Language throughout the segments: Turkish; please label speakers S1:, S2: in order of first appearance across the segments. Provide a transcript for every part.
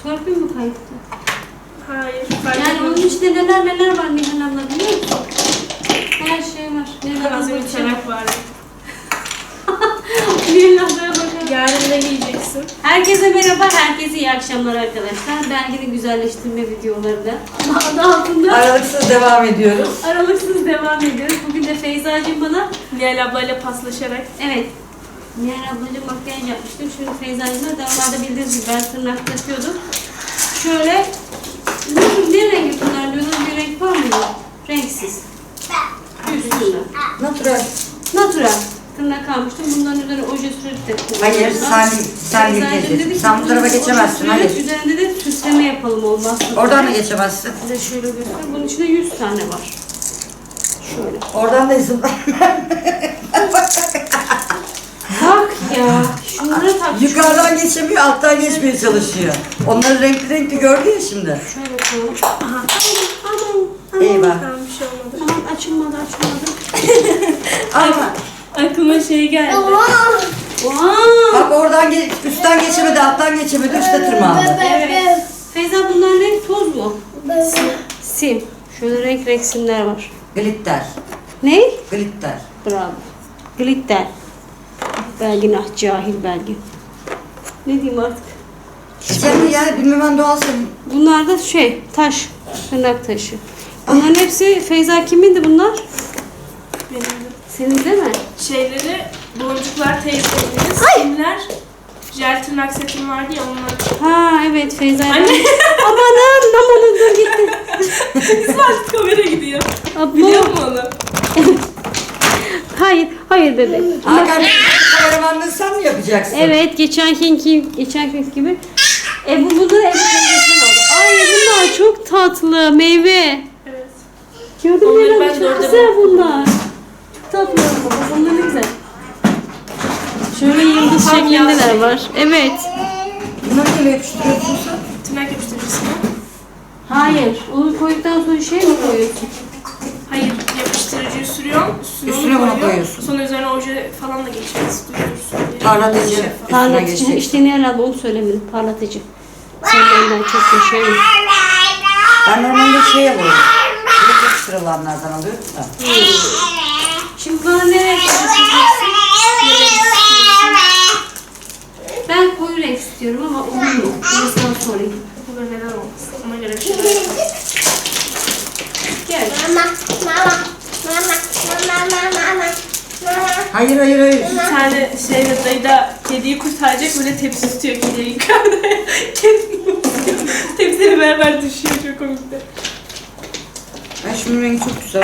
S1: Torpil mi kayıttı?
S2: Hayır.
S1: Yani onun içinde neler var Nihal abla biliyor musun? Her şey var. Nihal
S2: Hazır
S1: abla
S2: bir çanak var.
S1: Nihal ablaya bakalım.
S2: Yarın da yiyeceksin.
S1: Herkese merhaba, herkese iyi akşamlar arkadaşlar. Belgenin güzelleştirme videolarında adı altında
S3: Aralıksız devam ediyoruz.
S1: aralıksız devam ediyoruz. Bugün de Feyza'cığım bana,
S2: Nihal ablayla paslaşarak.
S1: evet, Nihal ablacığım makyaj yapmıştım. Şimdi Feyza'cığımla normalde bildiğiniz gibi ben tırnak takıyordum. Şöyle, ne rengi kullanıyorsunuz? Bir renk var mı? Renksiz. Üstünde.
S3: Natural.
S1: Natural. Tırnak almıştım. Bundan üzerine oje sürüp de kullanıyorum.
S3: Hayır, sen gideceksin. Sen bu tarafa geçemezsin, hayır.
S1: Üzerinde de süsleme yapalım olmazsa.
S3: Oradan da geçemezsin.
S1: Size şöyle göstereyim. Bunun içinde 100 tane var. Şöyle.
S3: Oradan da izin ver.
S1: Bak ya. Şunları tak.
S3: Yukarıdan geçemiyor, alttan geçmeye çalışıyor. Onları renkli gördü ya şimdi.
S1: Şöyle koyalım. Aha. Aman.
S3: Eyvah.
S2: Tamam bir şey olmadı.
S1: Aman açılmadı.
S3: Ama
S2: Aklıma şey geldi.
S1: Wow.
S3: bak oradan üstten geçemedi, alttan geçemedi, üstte tırmandı.
S1: Evet. Feyza bunlar ne? Toz mu? Sim. Şöyle renk simler var.
S3: Glitter.
S1: Ne?
S3: Glitter.
S1: Bravo. Glitter. Belgin ah cahil belgin. Ne diyeyim artık?
S3: Sen ya bilmem doğal senin.
S1: Bunlar da taş. Tırnak taşı. Bunların hepsi Feyza kimindi bunlar?
S2: Benim de.
S1: Senin değil mi?
S2: Şeyleri, boncuklar teyzelerimiz, simler, jel tırnak setim vardı ya onlar.
S1: Ha evet Feyza.
S2: Anne.
S1: Amanın dur gitti.
S2: İsmail kamera gidiyor.
S1: Abo.
S2: Biliyor musun onu?
S1: Hayır bebek.
S3: Hakan, kameramanlığı sen mi yapacaksın?
S1: Evet geçenki gibi. Bunları Ebu teyzesinden aldı. Ay bunlar çok tatlı meyve.
S2: Evet.
S1: Gördün mü?
S2: Onları
S1: Leyla?
S2: ben de
S1: Çok
S2: orada
S1: güzel bunlar. Çok tatlı ama bunlar ne güzel. Şöyle yıldız şeklindeler var. Evet.
S3: Bunları neyle yapıştırıyorsun sen?
S2: Tırnak yapıştırıcısı mı?
S1: Hayır. Onu koyduktan sonra şey mi koyuyorsun?
S2: Hayır, yapıştırıcıyı sürüyorum,
S3: Üstüne bunu koyuyorsun.
S2: Sonra üzerine oje falan da geçeceğiz. Duyurursun diye.
S3: Parlatıcı. Üstüne
S1: Parlatıcı.
S3: geçecek.
S1: İşte ne herhalde onu söylemedim. Parlatıcı. Sen benden çok yaşayın.
S3: Ben normalde şey alıyorum. Çok yapıştırılanlardan alıyorum da.
S1: Şimdi bana ne renk yapacaksın? Ben koyu renk istiyorum ama olur mu? Bunu sana sorayım.
S2: Burada neden olmasın? Ona göre bir şeyler yapalım.
S1: Gel.
S3: Hayır.
S2: Bir tane dayı da kediyi kurtaracak böyle tepsi tutuyor kediyi yukarıda. Kediyi tutuyor. Tepsiyle beraber düşüyor çok komikti.
S3: Ay şunun rengi çok güzel.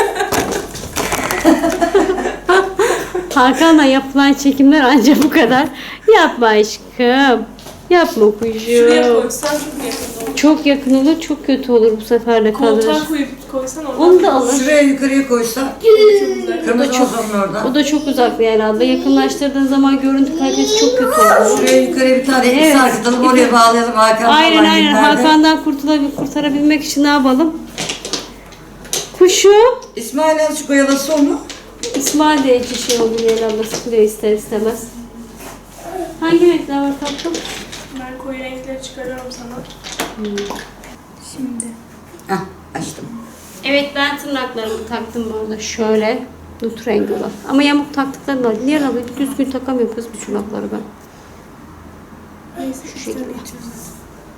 S1: Hakan'la yapılan çekimler ancak bu kadar. Yapma aşkım. Yapma
S2: Şuraya
S1: kuşum.
S2: koysan çok yakın olur.
S1: Çok yakın olur, çok kötü olur bu sefer de kalır.
S2: Koltuğa koysan oradan.
S1: Onu da alır.
S3: Şuraya yukarıya koysa
S2: Çok güzel.
S3: kırmızı ozonun orada.
S1: O da çok uzak bir herhalde. Yakınlaştırdığın zaman görüntü kalitesi çok kötü olur.
S3: Şuraya yukarıya bir tane ip
S1: Evet.
S3: sarkıtalım, oraya bağlayalım Hakan.
S1: Aynen. Hakan'dan kurtarabilmek için ne yapalım? Kuşu.
S3: İsmail azıcık oyalası onu.
S1: İsmail de içi şey oldu Leyla abla sıkılıyor ister istemez. Hangi renkler var tatlım?
S2: Ben koyu renkleri çıkarıyorum sana. Şimdi.
S3: Hah açtım.
S1: Evet ben tırnaklarımı taktım bu arada şöyle. Nut rengi var. Ama yamuk taktıklarım var. Niye abi düzgün takamıyorum kız bu tırnakları ben.
S2: Neyse
S1: Şu şekilde.
S2: geçeceğiz.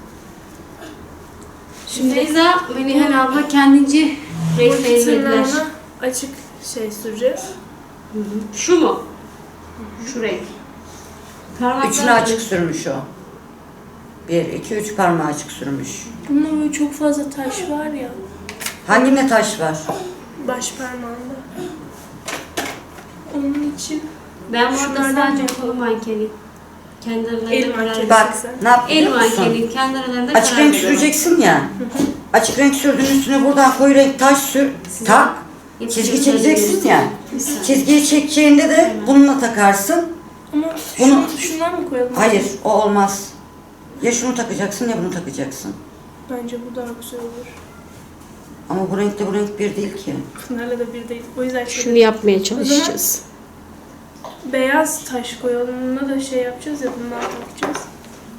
S1: Şimdi Feyza ve Nihal abla kendince renk
S2: Buradaki
S1: belirlediler.
S2: tırnağına açık süreceğiz.
S1: Şu mu? Şu renk. Parmaklar
S3: Üçünü açık sürmüş o. 1, 2, 3 parmağı açık sürmüş.
S2: Bunda böyle çok fazla taş var ya.
S3: Hanginde taş var?
S2: Baş parmağında. Onun için
S1: Ben bu arada
S2: Şunlardan
S1: sadece
S2: yapalım.
S1: kolu mankeni. Kendi aralarında
S2: El
S1: karar
S2: mankeni.
S3: Bak ne yap
S1: El
S3: biliyor musun?
S1: mankeni. Kendi aralarında
S3: Açık
S1: karar
S3: renk
S1: veriyorlar.
S3: süreceksin ya. Açık renk sürdüğün üstüne buradan koyu renk taş sür. Tak. Çizgi çekeceksin ya. Çizgiyi çekeceğinde de bununla takarsın.
S2: ama
S3: Bunu-
S2: şundan mı koyalım?
S3: Hayır o olmaz. Ya şunu takacaksın ya bunu takacaksın.
S2: Bence bu daha güzel olur.
S3: Ama bu renkle bu renk bir değil ki.
S2: Pınar'la da bir değil. O yüzden
S1: Şunu yapmaya çalışacağız.
S2: beyaz taş koyalım. Bununla da şey yapacağız ya bundan takacağız.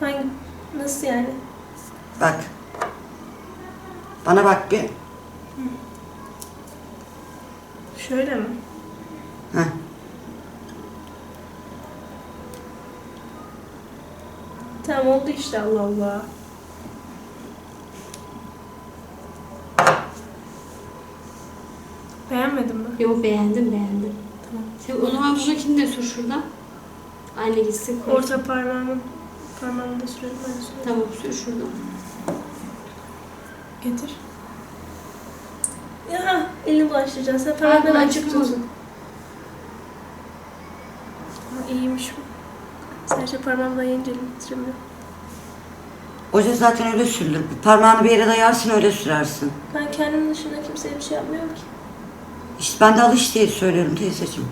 S2: Hangi? Nasıl yani?
S3: Bak. Bana bak bir.
S2: Şöyle mi?
S3: Heh.
S2: Tamam oldu işte, Allah Allah. Beğenmedin mi?
S1: Yok, beğendim.
S2: Tamam.
S1: Sen o zaman buradakini de sür şuradan. Aynı gitsin. koy.
S2: Orta parmağımı da sürelim, ben de süreyim.
S1: Tamam, sür şuradan.
S2: Getir. Ya elini bulaştıracaksın. Sen parmakları açık tut. İyiymiş bu. Sadece parmağımla yiyince elimi titremiyor.
S3: Oje zaten öyle sürülür. Parmağını bir yere dayarsın öyle sürersin.
S2: Ben kendim dışında kimseye bir şey yapmıyorum ki.
S3: İşte ben de alış diye söylüyorum teyzeciğim.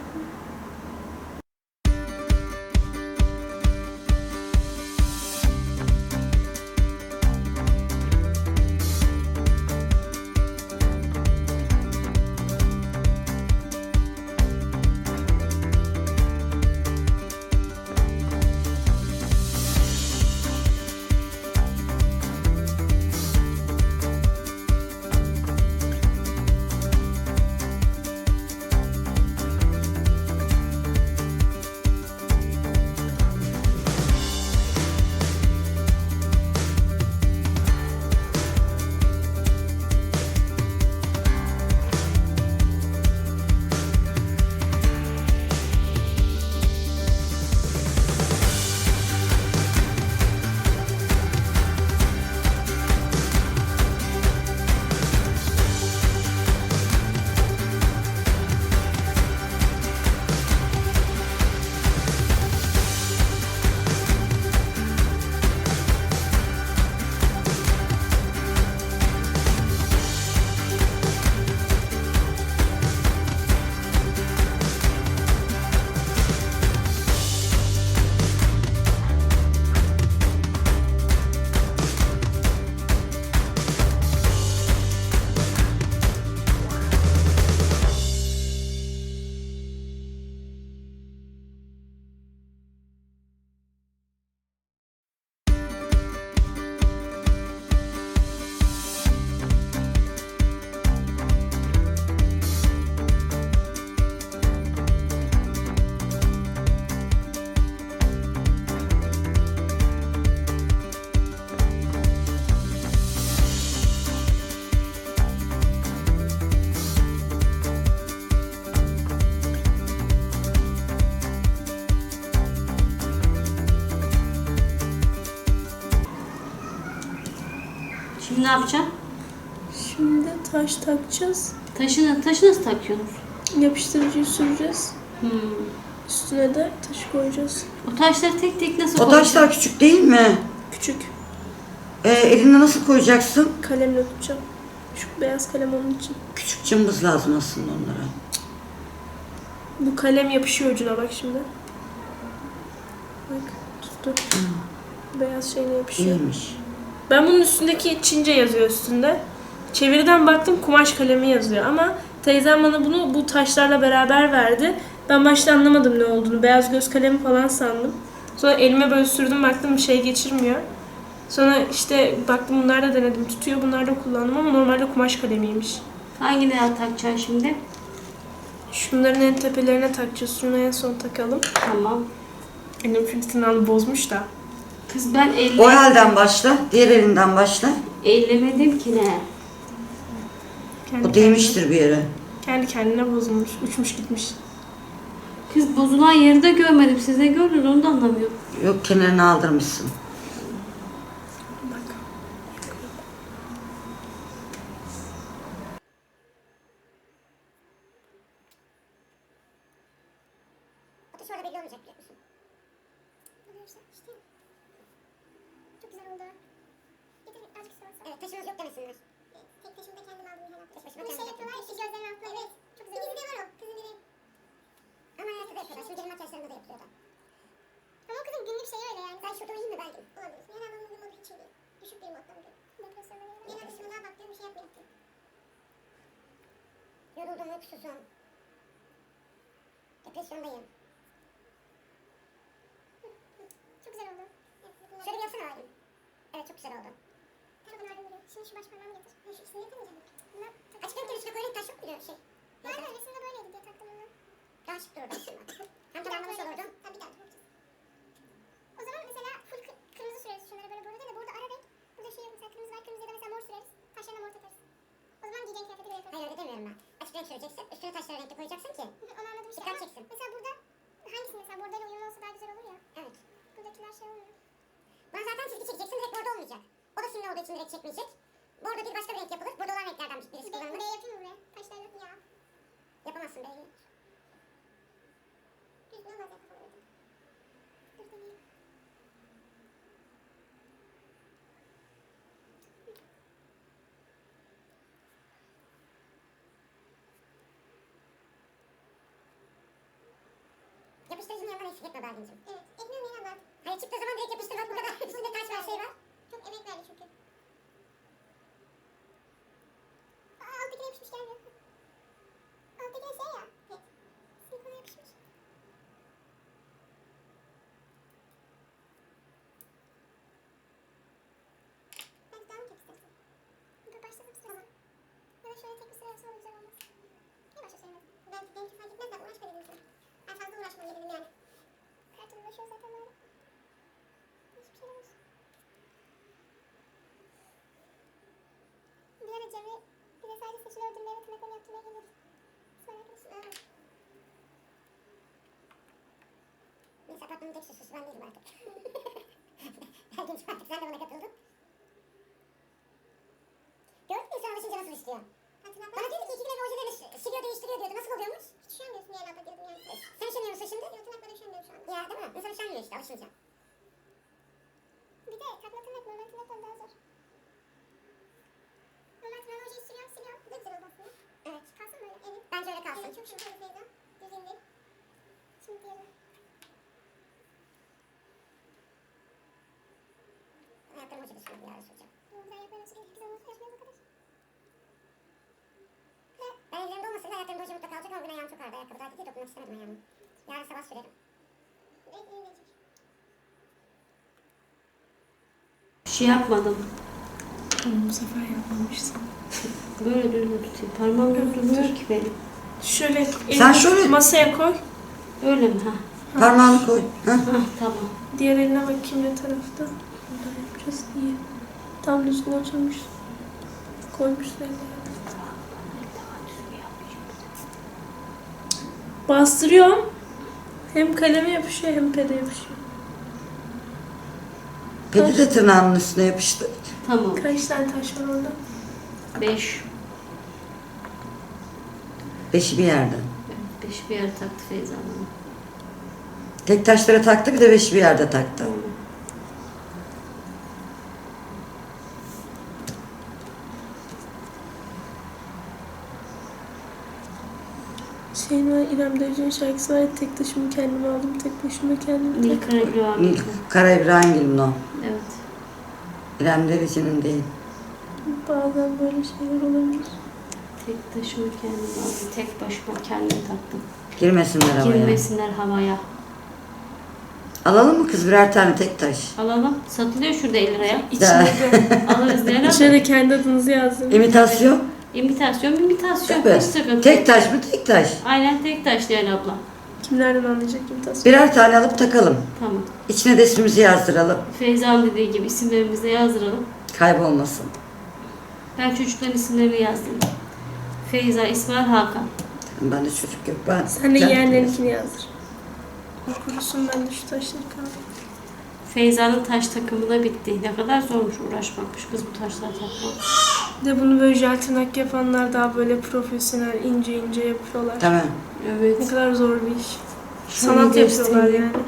S1: Şimdi ne yapacaksın?
S2: Şimdi taş takacağız.
S1: Taşı nasıl takıyorsunuz?
S2: Yapıştırıcıyı süreceğiz.
S1: Hmm.
S2: Üstüne de taşı koyacağız.
S1: O taşları tek tek nasıl
S3: O
S1: koyacaksın?
S3: taşlar küçük değil mi?
S2: Küçük.
S3: Eline nasıl koyacaksın?
S2: Kalemle tutacağım. Şu beyaz kalem onun için.
S3: Küçük cımbız lazım aslında onlara.
S2: Bu kalem yapışıyor ucuna bak şimdi. Bak tuttu. Beyaz şeyine yapışıyor.
S3: İyiymiş.
S2: Ben bunun üstündeki Çince yazıyor üstünde. Çeviriden baktım kumaş kalemi yazıyor ama teyzem bana bunu bu taşlarla beraber verdi. Ben başta anlamadım ne olduğunu. Beyaz göz kalemi falan sandım. Sonra elime böyle sürdüm, baktım bir şey geçirmiyor. Sonra işte baktım, bunlar da denedim. Tutuyor, bunlar da kullandım ama normalde kumaş kalemiymiş.
S1: Hangi ne takacaksın şimdi?
S2: Şunların en tepelerine takacağız. Şunu en son takalım.
S1: Tamam.
S2: Annem fırtınanı bozmuş da.
S1: Kız ben
S3: O elden başla, diğer elinden başla.
S1: ellemedim ki ne?
S2: Kendi
S3: O değmiştir bir yere.
S2: Kendi kendine bozulmuş. Uçmuş gitmiş.
S1: Kız bozulan yeri de görmedim. Siz de gördünüz, onu da anlamıyorum.
S3: Yok, kenarını aldırmışsın.
S2: Bak.
S4: Ateş orada belli olmayacak, biliyor musun? İşte. Çok güzel oldu. Getir azıcık soğuk. Evet, taşınız yok demesinler. Tek taşımı da kendim aldım her hafta. Tek başıma kendim yapıyorlar ya, gözlerin altında. Evet. Çok güzel. Bir dizide var o. Kızın biri. Ama hayatı da yapıyorlar. Şimdi gelin makyajlarında da yapıyorlar. Ama o kızın günlük şeyi öyle yani. Ben şurada uyuyayım mı belki? Olabilir. Genelde onun modu hiç iyi değil. Düşük bir modda bugün. Depresyona göre. Genelde şimdi daha baktığım bir şey yapmayayım. Yoruldum, uykusuzum. Depresyondayım. Çok güzel oldu. Şimdi şu baş parmağımı getir. Şu ikisini yapamayacağım. Bunlar açık renkler üstüne koyu renk taş yok biliyor şey. Aynen resimde böyleydi diye taktım onu. Daha şık dururdu aslında. Hem tamamlamış olurdu. Tabii bir daha yapacağız. O zaman mesela full kırmızı süreriz şunları böyle burada değil de burada ara renk. Burada şey mesela kırmızı var kırmızı ya da mesela mor süreriz. Taşlarına mor takarız. O zaman giyeceğin kıyafeti böyle yaparız. Hayır öyle demiyorum ben. Açık renk süreceksin. Üstüne taşları renkli koyacaksın ki. Onu anladım işte. Dikkat çeksin. Mesela burada hangisi mesela bordayla uyumlu olsa daha güzel olur ya. Evet. Buradakiler şey olmuyor. Ben zaten çizgi çekeceksin direkt bordo olmayacak. O da simli olduğu için direkt çekmeyecek. Bordo bir başka bir renk yapılır. Bordo olan renklerden birisi kullanılır. Buraya yapayım mı buraya? Taşlar yok ya. Yapamazsın B'yi. Düzgün olmaz ya kafamda. Dur deneyeyim. Yapıştırıcının yanından eksik etme Belgin'cim. Evet. Ekmeğim yine var. Hayır çıktığı zaman direkt yapıştır bak bu kadar. Üstünde taş var şey var. Çok emek verdi çünkü. Alttakine yapışmış gelmiyor. Alttakine şey ya. Evet. Silikona yapışmış. Ben daha mı tek istersin? Dur başladım sırama. Ya da şöyle tek bir sıra yapsam güzel olmaz. Niye başa söylemedim? Benimki fark etmez de uğraşma dedim sana. Ben fazla uğraşmam dedim yani. Kartım uğraşıyor zaten böyle. Hiçbir şey olmaz. Bir ara Cemre bize sadece saçını ördürmeye ve tırnaklarını yaptırmaya geliyordu. İsmail arkadaşım. Neyse apartmanın tek süsüsü ben değilim artık. Belki artık sen de bana katıldın. Gördün mü insan alışınca nasıl işliyor? Bana diyordu ki 2 gün ojelerini siliyor değiştiriyor diyordu. Nasıl oluyormuş? Hiç üşenmiyorsun yani abla diyordum yani. Sen üşeniyor musun şimdi? Yok tırnaklara üşenmiyorum şu anda. Ya değil mi? İnsan üşenmiyor işte alışınca. Bir de takma tırnak normal tırnaktan daha zor. Normal tırnağı ojeyi sürüyorum siliyorum. Bu da güzel oldu aslında. Evet. Kalsın böyle evet. Bence öyle kalsın. Evet çok şık oldu Feyza. Düz indir. Şimdi diyelim. Ayaklarım acıdı şimdi bir ara süreceğim. Güzel ayaklarım sürüyor. Güzel olması yaşmıyoruz o kadar. Ben ellerimde olmasaydı ayaklarım boyunca mutlaka kalacak ama bugün ayağım çok ağrıdı. Ayakkabı daha diye dokunmak istemedim ayağımı. Yarın sabah sürerim.
S1: Bir şey yapmadım.
S2: Bu sefer yapmamışsın.
S1: Böyle düzgün tutayım. Parmağım durmuyor ki benim.
S2: Şöyle
S3: Sen
S2: elini
S3: şöyle-
S2: masaya koy.
S1: Öyle mi? Ha.
S3: Parmağını koy. Ha?
S1: Ha tamam.
S2: Diğer eline bakayım ne tarafta. Burada yapacağız. İyi. Tam düzgün oturmuş. Koymuşsun elini. Bastırıyorum. Hem kaleme yapışıyor hem pede yapışıyor.
S3: Pedi de tırnağının üstüne yapıştı.
S1: Tamam.
S2: Kaç tane taş var orada?
S1: 5.
S3: 5'i bir yerde.
S1: Evet, 5 bir yere taktı Feyza Hanım.
S3: Tek taşlara taktı bir de 5'i bir yerde taktı.
S2: Şeyin var, İrem Derici'nin şarkısı var ya, tek taşımı kendime aldım, tek başıma kendim
S1: Nil
S2: tek.
S1: Karagül
S3: Nil Kara İbrahimgil'in o.
S1: Evet.
S3: İrem Derici'nin değil.
S2: Bazen böyle şeyler olabilir.
S1: Tek taşımı kendim aldım. Tek başıma kendim taktım.
S3: Girmesinler havaya.
S1: Girmesinler havaya.
S3: Alalım mı kız birer tane tek taş?
S1: Alalım. Satılıyor şurada 50 liraya.
S2: İçine de,
S1: Alırız diye ne
S2: içine de kendi adınızı yazdım.
S3: İmitasyon.
S1: İmitasyon.
S3: Tabii.
S1: Hiç sıkıntı
S3: Tek
S1: yok.
S3: taş mı tek taş?
S1: Aynen tek taş Leyla abla.
S2: Kim nereden anlayacak imitasyon?
S3: Birer tane alıp takalım.
S1: Tamam.
S3: İçine de ismimizi yazdıralım.
S1: Feyza'nın dediği gibi isimlerimizi de yazdıralım.
S3: Kaybolmasın.
S1: Ben çocukların isimlerini yazdım. Feyza, İsmail, Hakan.
S3: Ben de çocuk yok. Ben
S2: Sen de yeğenlerinkini yazdır. O kurusun, ben de şu taşları kaldım.
S1: Feyza'nın taş takımı da bitti. Ne kadar zormuş uğraşmakmış kız bu taşlar takmak.
S2: Bir de bunu böyle jel tırnak yapanlar daha böyle profesyonel, ince ince yapıyorlar.
S3: Tamam.
S2: Ne
S1: Evet.
S2: kadar zor bir iş.
S1: Şöyle
S2: Sanat yapıyorlar
S1: göstereyim.
S2: yani.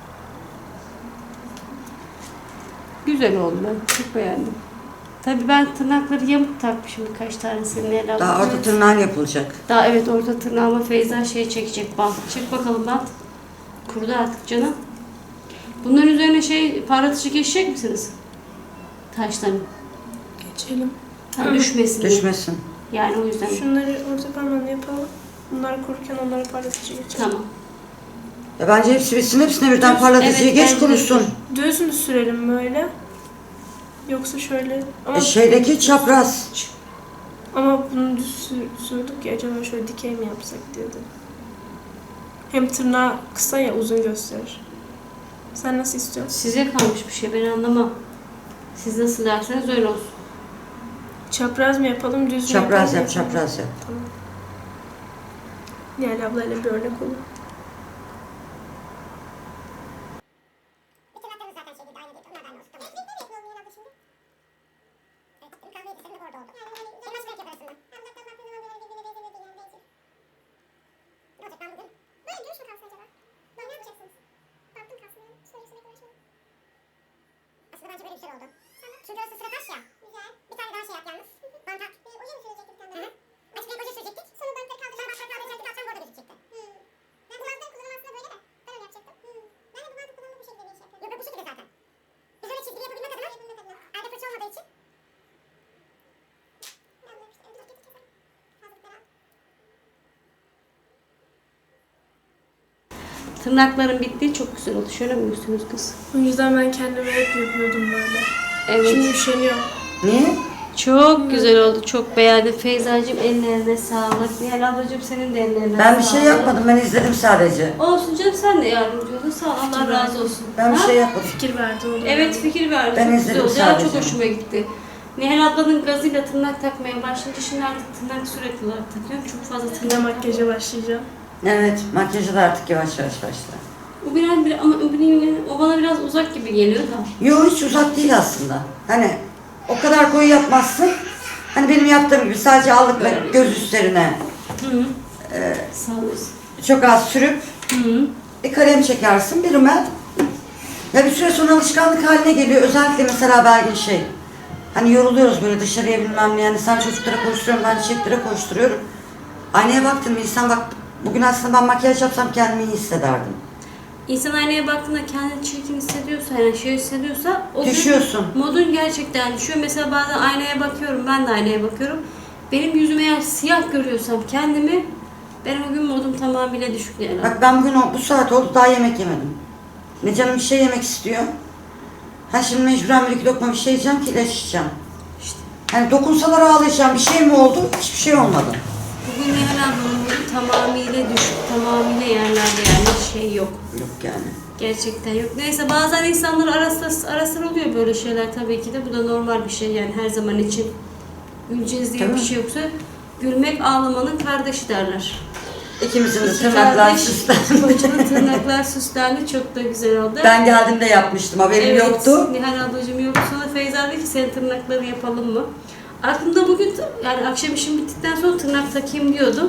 S1: Güzel oldu, ben çok beğendim. Tabii ben tırnakları yamuk takmışım birkaç tanesini Leyla abla.
S3: Daha orta tırnağın yapılacak.
S1: Daha evet orta tırnağıma Feyza şey çekecek bant. Çek bakalım bant. Kurudu artık canım. Bunların üzerine şey parlatıcı geçecek misiniz? Taşların.
S2: Geçelim.
S1: Ha, düşmesin diye.
S3: Düşmesin.
S1: Yani o yüzden.
S2: Şunları orta parmağını yapalım. Bunlar kururken onları parlatıcı geçelim.
S1: Tamam.
S3: Ya bence hepsi bitsin. Hepsine birden parlatıcıya
S1: Evet,
S3: geç
S1: bence de.
S3: kurusun.
S2: Düz mü sürelim böyle? Yoksa şöyle ama
S3: Şeydeki çapraz.
S2: ama bunu düz sürdük ya, acaba şöyle dikey mi yapsak diyordum. Hem tırnağı kısa ya, uzun gösterir. Sen nasıl istiyorsun?
S1: Size kalmış bir şey, ben anlamam. Siz nasıl derseniz öyle olsun.
S2: Çapraz mı yapalım, düz mü
S3: Çapraz
S2: yapalım?
S3: yap, çapraz yap.
S2: Tamam. Nihal ablayla bir örnek olur.
S4: Bütün hatlarımız zaten şey değil, aynı değil. Onlar da aynı olsun. Tamam. Ne yapalım herhalde şimdi? Evet, kahve yedi, senin de orada oldu. Yani nasıl renk yaparsın ben? Ben uzaktan baktığım zaman böyle birbirine benzemedi yani değişir. Ne olacak ben bugün? Böyle gümüş mü kalsın acaba? Ne yapacaksınız? Baktım kalsın yani. Şöyle sürekli uğraşmayalım. Aslında bence böyle bir şey oldu. Çünkü orası sıra taş ya. Güzel. Bir tane daha şey yap yalnız. Bantak. Oje mi sürecektik bir tane? Hı hı. Açık renk oje sürecektik. Sonra bantları kaldıracağım. Bantları kaldıracaktım. Alacağım, bu arada gözükecekti. Ben bu bantları kullanım aslında böyle de. Ben öyle yapacaktım. Ben de bu bantı kullanımı bu şekilde bir şey yapıyorum. Yok bu şekilde zaten. Biz öyle çizgili yapabilmek adına. Elde fırça olmadığı için.
S1: Tırnakların bittiği çok güzel oldu. Şöyle mi gösteriyorsunuz kız?
S2: O yüzden ben kendime hep yapıyordum böyle.
S1: Evet.
S2: Şimdi üşeniyorum.
S3: Niye?
S1: Çok güzel oldu. Çok beğendim. Feyzacığım ellerine sağlık. Nihal ablacığım senin de ellerine
S3: Ben bir
S1: sağlık.
S3: şey yapmadım, ben izledim sadece.
S1: Olsun canım, sen de yardımcı oldun. Sağ ol. Allah razı olsun.
S3: Ben bir
S1: Ha?
S3: şey yapmadım.
S2: Fikir verdi o da.
S1: Evet, fikir verdi.
S3: Ben
S1: Çok güzel
S3: izledim
S1: oldu. Ya, çok
S3: sadece.
S1: hoşuma gitti. Nihal ablanın gazıyla tırnak takmaya başlayınca şimdi artık tırnak sürekli olarak takıyorum. Çok fazla
S2: Bir de
S1: tırnak
S2: makyaja başlayacağım.
S3: Evet, makyajı da artık yavaş yavaş başla.
S1: O biraz bir ama o bana biraz uzak gibi geliyor da.
S3: Yo, hiç uzak değil aslında. Hani o kadar koyu yapmazsın. Hani benim yaptığım gibi sadece allıkla göz üstlerine
S1: Hı. Sağ olasın.
S3: çok az sürüp
S1: Hı.
S3: bir kalem çekersin, bir rimel. Ya bir süre sonra alışkanlık haline geliyor. Özellikle mesela belki şey, hani yoruluyoruz böyle dışarıya bilmem ne, yani sen çocuklara koşturuyorum, ben çiçeklere koşturuyorum. Aynaya baktım, insan bak, bugün aslında ben makyaj yapsam kendimi iyi hissederdim.
S1: İnsan aynaya baktığında kendini çirkin hissediyorsa, yani şey hissediyorsa o gün
S3: Düşüyorsun.
S1: modun gerçekten düşüyor. Mesela bazen aynaya bakıyorum, ben de aynaya bakıyorum. Benim yüzüm eğer siyah görüyorsam kendimi, ben o gün modum tamamıyla düşük yani.
S3: Bak ben bugün bu saat oldu daha yemek yemedim. Ne canım bir şey yemek istiyor. Ha şimdi mecburen bir iki lokma bir şey yiyeceğim ki ilaç içeceğim.
S1: İşte.
S3: Hani dokunsalar ağlayacağım, bir şey mi oldu? Hiçbir şey olmadı.
S1: Bugün Nihal ablamın modu tamamıyla düşük, tamamıyla yerlerde, yani şey yok.
S3: Yok yani.
S1: Gerçekten yok. Neyse, bazen insanlar arasır oluyor böyle şeyler tabii ki de. Bu da normal bir şey yani, her zaman için güleceğiz diye
S3: Tabii.
S1: bir şey yoksa. Gülmek ağlamanın kardeşi derler.
S3: İkimizin de
S1: İki
S3: tırnaklar
S1: kardeş,
S3: süslendi.
S1: kocanın tırnaklar süslendi. Çok da güzel oldu.
S3: Ben geldiğimde yapmıştım, haberim yoktu.
S1: Nihal ablacığım yoktu. Sonra Feyza dedi ki senin tırnakları yapalım mı? Aklımda bugün yani akşam işim bittikten sonra tırnak takayım diyordum.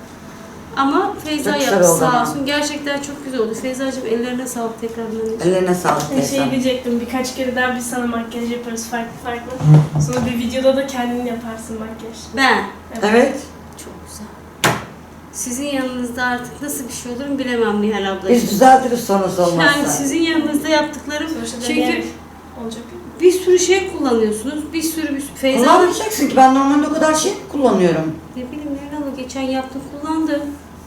S1: Ama Feyza
S3: Çok güzel
S1: yaptı
S3: oldu
S1: sağ
S3: ama.
S1: olsun. Gerçekten çok güzel oldu. Feyzacığım ellerine sağlık tekrardan.
S3: Ellerine sağlık
S2: Şey
S3: teyzem.
S2: diyecektim, birkaç kere daha biz sana makyaj yaparız farklı farklı. Sonra bir videoda da kendin yaparsın makyaj.
S1: Ben.
S3: Evet.
S1: Çok güzel. Sizin yanınızda artık nasıl bir şey olur bilemem Nihal ablacığım.
S3: Biz düzeltiriz sonrası olmazsa.
S1: Yani sizin yanınızda yaptıklarım,
S2: Sonuçta
S1: çünkü
S2: deneyen olacak.
S1: bir sürü şey kullanıyorsunuz. Bir sürü Feyza
S3: Kullanmayacaksın ki, ben normalde o kadar şey kullanıyorum.
S1: ne bileyim Nihal abla geçen yaptım, kullandı.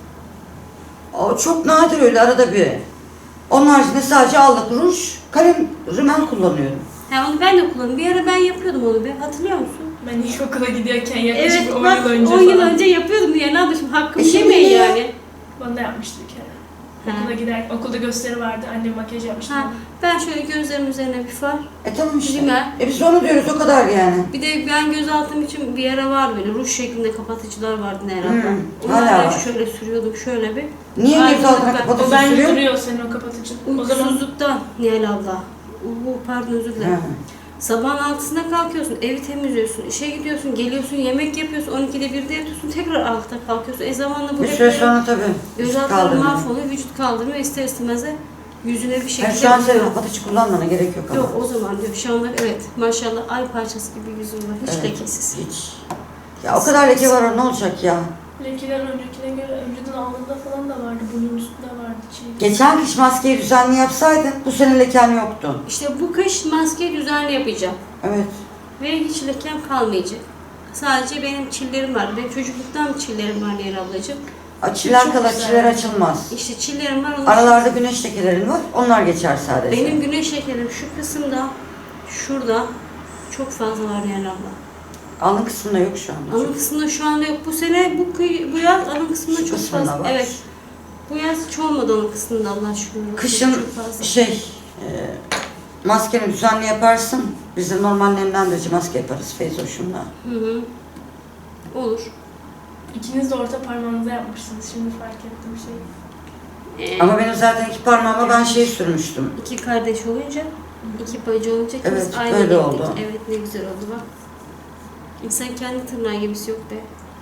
S3: O çok nadir, öyle arada bir. Onun haricinde sadece allık, ruj, kalem, rimel kullanıyorum.
S1: Ha, onu ben de kullandım. Bir ara ben yapıyordum onu be. Hatırlıyor musun?
S2: Ben ilkokula gidiyorken yaklaşık
S1: Evet
S2: 10
S1: bak,
S2: yıl önce
S1: 10 yıl
S2: falan.
S1: önce yapıyordum diye. Ne yapayım? Hakkımı
S3: şimdi
S1: yemeyin
S3: ya.
S1: yani.
S2: Bana da yapmıştı bir kere.
S1: Ha.
S2: Okula giderken, okulda gösteri vardı. Annem makyaj yapmıştı.
S1: Ha, ben şöyle gözlerimin üzerine bir far.
S3: Tamam işte.
S1: Rimel.
S3: Biz onu diyoruz, o kadar yani.
S1: Bir de ben gözaltım için bir ara vardı böyle ruj şeklinde kapatıcılar vardı Nihal abla.
S3: Hmm,
S1: Onları
S3: hala
S1: ben
S3: var.
S1: şöyle sürüyordum şöyle bir.
S3: Niye
S1: Ayrıca
S3: göz altına
S1: ben-
S2: O
S3: kapatıcı
S2: bence
S3: sürüyor?
S2: duruyor senin o kapatıcı. O zaman
S1: Uykusuzluktan Nihal abla. Pardon, özür dilerim.
S3: Ha.
S1: Sabahın 6'sında kalkıyorsun, evi temizliyorsun, işe gidiyorsun, geliyorsun, yemek yapıyorsun, 12'de 1'de yatıyorsun, tekrar 6'da kalkıyorsun. Zamanla bu
S3: Bir
S1: hep
S3: süre
S1: böyle
S3: sonra tabii.
S1: göz altları
S3: kaldırmıyor.
S1: mahvoluyor, vücut kaldırmıyor, ister istemez de yüzüne bir şekilde...
S3: Yani şu an senin kapatıcı kullanmana gerek yok ama.
S1: Yok, o zaman diyor. Şu anda evet, maşallah ay parçası gibi yüzüm var, hiç
S3: Evet,
S1: lekesiz.
S3: Hiç. Ya o kadar leke var, ne olacak ya?
S2: lekeler öncekine göre önceden alnında falan da vardı. Burnun üstünde vardı. Çiğ.
S3: Geçen kış maskeyi düzenli yapsaydın bu sene leken yoktu.
S1: İşte bu kış maskeyi düzenli yapacağım
S3: Evet.
S1: ve hiç lekem kalmayacak. Sadece benim çillerim var, benim çocukluktan çillerim var Nihal ablacığım.
S3: Açılar
S1: Çok
S3: kala
S1: güzel.
S3: çiller açılmaz.
S1: İşte çillerim var, onun
S3: Aralarda güneş lekelerin var, onlar geçer sadece.
S1: benim güneş şekerim şu kısımda, şurada, Çok fazla var Nihal abla.
S3: Alın kısmında yok şu anda.
S1: Alın kısmında şu anda yok. Bu sene bu yaz alın kısmında
S3: Şu
S1: çok
S3: kısmında
S1: fazla.
S3: var.
S1: Evet. Bu yaz hiç olmadı alın kısmında Allah şükür.
S3: Kışın
S1: Çok fazla.
S3: Maskeni düzenli yaparsın. Biz de normal nemlendirici maske yaparız Feyzoş'umla.
S1: Hı. Olur.
S2: İkiniz de orta parmağınıza yapmışsınız. Şimdi fark ettim şey.
S3: Ama benim zaten iki parmağıma ben şey sürmüştüm.
S1: İki kardeş olunca, iki bacı olunca
S3: Evet,
S1: ikimiz aynı
S3: böyle
S1: gittik.
S3: oldu.
S1: Evet, ne güzel oldu bak. İnsan kendi tırnağı gibisi yok be.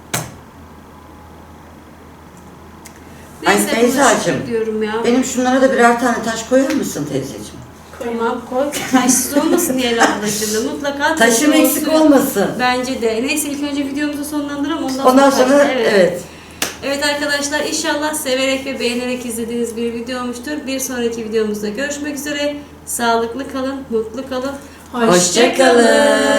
S3: Ay
S1: Neyse,
S3: Feyzacığım,
S1: bunu diyorum ya.
S3: benim şunlara da birer tane taş koyar mısın teyzeciğim?
S1: Tamam koy. Taşsız olmasın diye ablacığım. Mutlaka
S3: Taşım
S1: taşlı
S3: eksik
S1: olsun.
S3: olmasın.
S1: Bence de. Neyse ilk önce videomuzu sonlandıralım.
S3: Ondan sonra
S1: taşlı.
S3: evet.
S1: Evet arkadaşlar, inşallah severek ve beğenerek izlediğiniz bir video olmuştur. Bir sonraki videomuzda görüşmek üzere. Sağlıklı kalın, mutlu kalın.
S3: Hoşça kalın.